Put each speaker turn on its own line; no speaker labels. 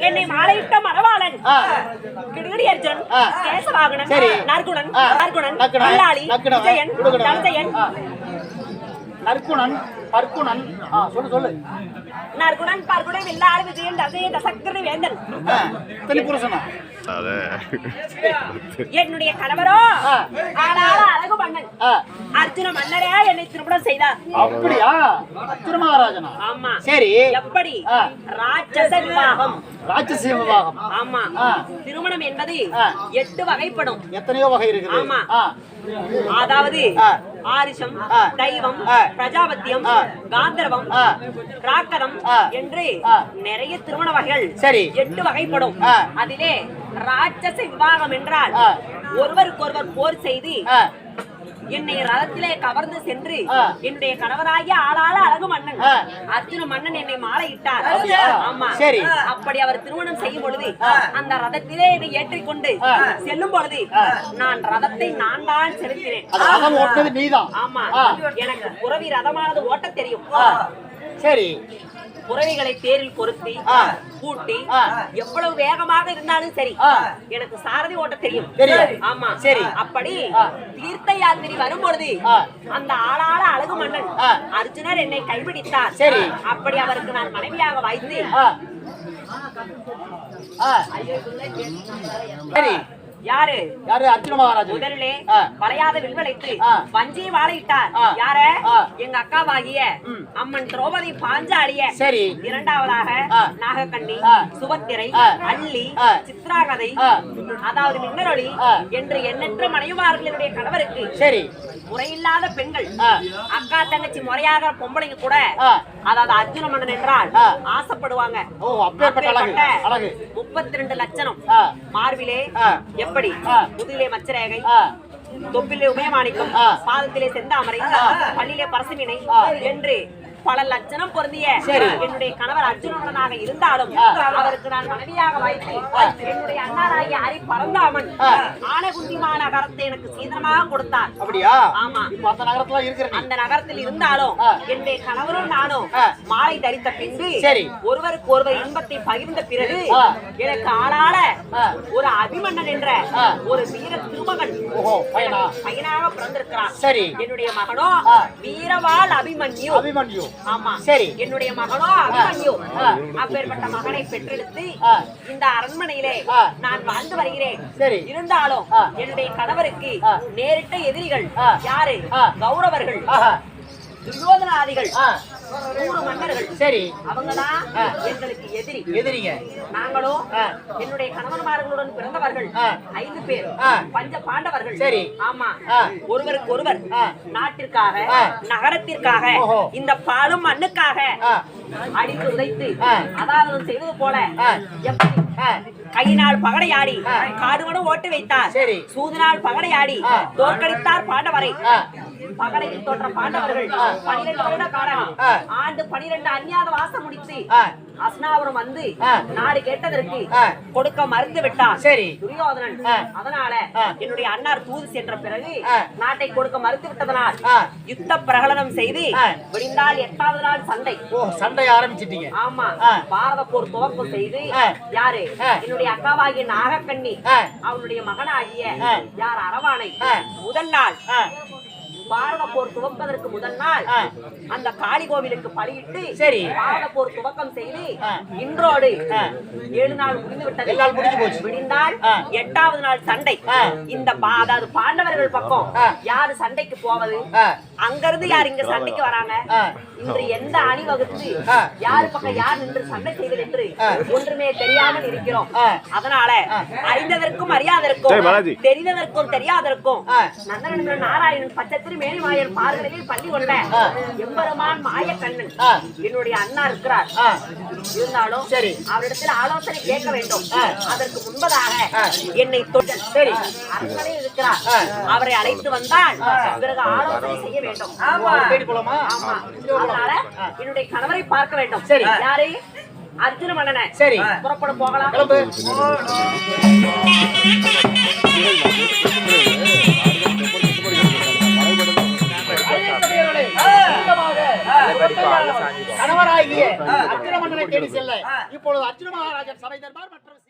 என்னை மாலையிட்ட மணவாளன் கிடுகிடி அர்ஜுன், கேசவாகனன், நற்குணன், நல்லாளி, விஜயன், தனஜயன்,
நற்குணன், பர்க்குணன், சொல்லு
நற்குணன், பர்க்குணன், வில்லாளி, விஜயன், தசையன், தசக்கர வேந்தன்.
புருஷனா
என்னுடைய கணவரோ ஆளாள அழகு மன்னன் அர்ஜுன மன்னரே என்னை திருமணம் செய்தார்.
அப்படியா? அர்ஜுன மகாராஜனா?
ஆமா.
சரி.
எப்படி? ராட்சச விவாகம்.
ராட்சச விவாகம்.
ஆமா. திருமணம் என்பது 8 வகைப்படும்.
எத்தனையோ வகை இருக்குது.
ஆமா. அதாவது ஆரிஷம், தைவம், பிரஜாபத்தியம், காந்தர்வம், ராக்கரம் என்று நிறைய திருமண வகைகள் 8 வகைப்படும். அதிலே ராட்சச விவாகம் என்றால் ஒருவருக்கொருவர் போர் செய்து என்னை ரதத்திலே கவர்ந்து சென்று என்னுடைய கணவராகிய ஆளாள அழகு மன்னன் அர்ஜுன மன்னன் என்னை மாலையிட்டார். ஆமா. அப்படி அவர் திருமணம் செய்யும் பொழுது அந்த ரதத்திலே என்னை ஏற்றிக்கொண்டு செல்லும் பொழுது நான் ரதத்தை நான் தான் செலுத்தினேன். ஆமா. எனக்கு புறவி ரதமானது ஓட்ட தெரியும்.
சரி.
புறவிகளை தேரில் பொருத்தி பூட்டி எவ்வளவு வேகமாக இருந்தாலும் சரி எனக்கு சாரதி ஓட்ட தெரியும். ஆமா. சரி. அப்படி தீர்த்த யாத்திரை வரும்பொழுது அந்த ஆளாள அழகு மன்னன் அர்ஜுனர் என்னை கைபிடித்தார். சரி. அப்படி அவருக்கு நான் மனைவியாக வாய்த்து
சரி.
யாரு?
அர்ஜுன மகாராஜா
முதலிலே வளையாத வில்வளைத்து வஞ்சி வாழையிட்டார். யார? எங்க அக்காவாகிய அம்மன் திரௌபதி பாஞ்சாலிய. சரி. இரண்டாவதாக நாகக்கண்ணி, சுபத்திரை, அள்ளி, சித்ராகதை, அதாவது மின்னரொளி என்று எண்ணற்ற மனைவிமார்களுடைய கணவருக்கு சரி முறையில்லாத பெண்கள் அக்கா தங்கச்சி முறையாக பொம்பளைங்க கூட அதாவது அர்ஜுன மன்னன் என்றால் ஆசைப்படுவாங்க. 32 லட்சணம் மார்பிலே எப்படி முதுகிலே மச்சரேகை, தொப்பிலே உபயமாணிக்கம், பாதத்திலே செந்தாமரை, பள்ளியிலே பரசுமினை என்று பல லட்சணம் பொருந்திய என்னுடைய கணவர் அர்ஜுனனாக இருந்தாலும் அவருக்கு நான் மனைவியாக வைத்து என்னுடைய அண்ணாராகிய ஹரி பரந்தாமன் ஆனகுந்திமா நகரத்தை எனக்கு சீதனமாக கொடுத்தார்.
அப்படியா?
ஆமா.
அந்த
நகரத்தில் இருந்தாலும் என்னுடைய கணவரும் நானும் மாலை தரித்த பின்பு ஒருவருக்கு ஒருவர் இன்பத்தை பகிர்ந்த பிறகு எனக்கு ஆளாள ஒரு அபிமன்னன் என்ற ஒரு வீர திருமகன் பையனாக பிறந்திருக்கிறான். என்னுடைய மகனோ வீரவாள் அபிமன்யு. ஆமா. சரி. என்னுடைய மகனோ அபிமன்யு. அப்பேற்பட்ட மகனை பெற்றெடுத்து இந்த அரண்மனையிலே நான் வாழ்ந்து வருகிறேன். இருந்தாலும் என்னுடைய கணவருக்கு நேரிட்ட எதிரிகள் யாரு? கௌரவர்கள், துரியோதனாதிகள், 100 மன்னர்கள். சரி. அவங்கதான் எங்களுக்கு எதிரிங்க. நாங்களும் என்னுடைய கணவன்மார்களுடன் பிறந்தவர்கள் 5 பேர் பஞ்ச பாண்டவர்கள். சரி. ஆமா. ஒருவருக்கு ஒருவர் நாட்டிற்காக நகரத்திற்காக இந்த பாலும் மண்ணுக்காக அடித்து உதைத்து அதாவது செய்வது போல கையினால் பகடையாடி காடுவனும் ஓட்டு வைத்தார். சூதனால் பகடையாடி தோற்கடித்தார் பாண்டவரை. பகடையில் தோற்ற பாண்டவர்கள் 12 வருட காலம் ஆண்டு 12 அந்நியாத வாசம் முடித்து அஸ்னாபுரம் வந்து நாடு கேட்டதற்கு கொடுக்க மறுத்து விட்டார் துரியோதனன். அதனால என்னுடைய அண்ணார் தூது சென்ற பிறகு நாட்டை கொடுக்க மறுத்து விட்டதனால் யுத்த பிரகடனம் செய்து விடிந்தால் 8வது நாள் சண்டை ஆரம்பிச்சிட்டீங்க. ஆமா. பாரத போர் துவக்கம் செய்து யாரு? என்னுடைய அக்காவாகிய நாகக்கண்ணி அவனுடைய மகனாகிய யார் அரவானை முதல் நாள் பாரத போர் துவப்பதற்கு முதல் நாள் அந்த காளி கோவிலுக்கு பலியிட்டு பாரத போர் துவக்கம் செய்து இன்றோடு 7 நாள் முடிந்து விட்டது. விடிந்தால் 8வது நாள் சண்டை. இந்த அதாவது பாண்டவர்கள் பக்கம் யாரு சண்டைக்கு போவது? அங்கிருந்து யார் இங்க சண்டைக்கு வராங்க? இன்று எந்த அணி வகுத்து யாரு பக்கம் யார் நின்று சண்டை செய்வது என்று ஒன்றுமே தெரியாமல் இருக்கிறோம். அதனால அறிந்ததற்கும் அறியாதற்கும் தெரிந்ததற்கும் தெரியாதற்கும் நந்தனன் நாராயணன் பச்சத்திரி மேனிமாயன் பார்களில் பள்ளி கொண்ட எம்பெருமான் மாயக்கண்ணன் என்னுடைய அண்ணா இருக்கிறார். இருந்தாலும் அவரிடத்தில் ஆலோசனை கேட்க வேண்டும். அதற்கு முன்பதாக என்னை தொட்டல் அரண்மனையில் இருக்கிறார். அவரை அழைத்து வந்தால் பிறகு ஆலோசனை செய்ய வேண்டும். ஆமா. அதனால என்னுடைய கணவரை பார்க்க வேண்டும். யாரு? அர்ஜுன மன்னனை. சரி, புறப்பட போகலாம்.
கணவராகிய அர்ஜுன மன்னனை தேடி செல்ல இப்பொழுது அர்ஜுன மகாராஜன் சபை தர்பார் மற்ற